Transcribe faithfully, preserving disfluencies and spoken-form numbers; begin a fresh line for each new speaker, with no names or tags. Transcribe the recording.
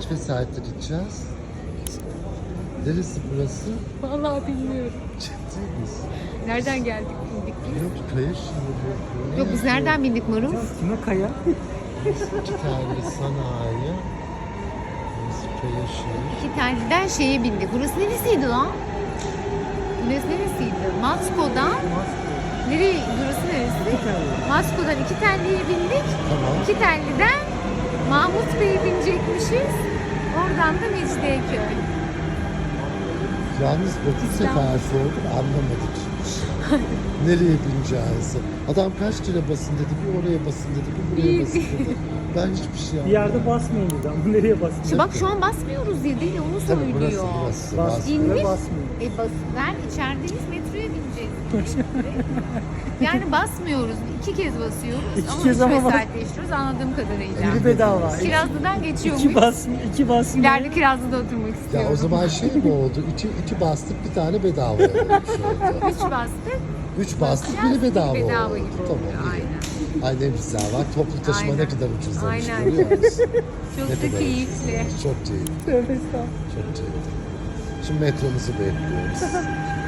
kaç vesayette gideceğiz? Neresi burası?
Vallahi bilmiyorum.
Ciddi misin?
Nereden geldik bindik biz?
Yok kaya şimdi.
Yok biz nereden bindik Maruf?
Kime kaya?
İki tane sanayi. Burası kaya şehir.
İki taneden şeye bindik. Burası neresiydi lan? Burası neresiydi? Masko'dan. Nereye? Burası neresi? Masko'dan iki telliye bindik.
Tamam.
İki telliden Mahmut Bey'e binecekmişiz. Oradan da Mecidiyeköy.
Yalnız dokuz sefer sorduk anlamadık. Nereye bineceğiz? Adam kaç lira basın dedi, bir oraya basın dedi, bir buraya basın dedi. Ben hiçbir şey
Bir
anlamadım.
yerde basmayın dedi ama nereye basmayın?
İşte bak şu an basmıyoruz diye değil onu
Tabii burası,
söylüyor.
burası.
Bas,
Bas.
İnmiş.
buraya basmayın.
E bas, ben içerideyiz metroya bineceğiz. Yani basmıyoruz. İki kez basıyoruz
İki
ama
kez
üç
ama bas-
vesayetleştiriyoruz anladığım kadarıyla.
Biri bedava.
Kirazlı'dan geçiyormuş.
İki basmıyor. iki basmıyor.
İleride Kirazlı'da oturmak istiyorum.
Ya o zaman şey mi oldu? İki, iki bastık bir tane bedava olmuş oldu.
Üç bastık.
Üç bastık
Biraz
biri bedava,
bedava
oldu.
gibi oldu.
Tamam. iyi.
Aynen.
Ay ne güzel bak toplu taşıma
Aynen.
ne kadar ucuzlamış
Aynen.
görüyor musun?
Çok
Ne
da
kadar
keyifli.
ucuzlamış, çok keyifli.
Tövbe estağfurullah.
Çok keyifli. Şimdi metromuzu bekliyoruz.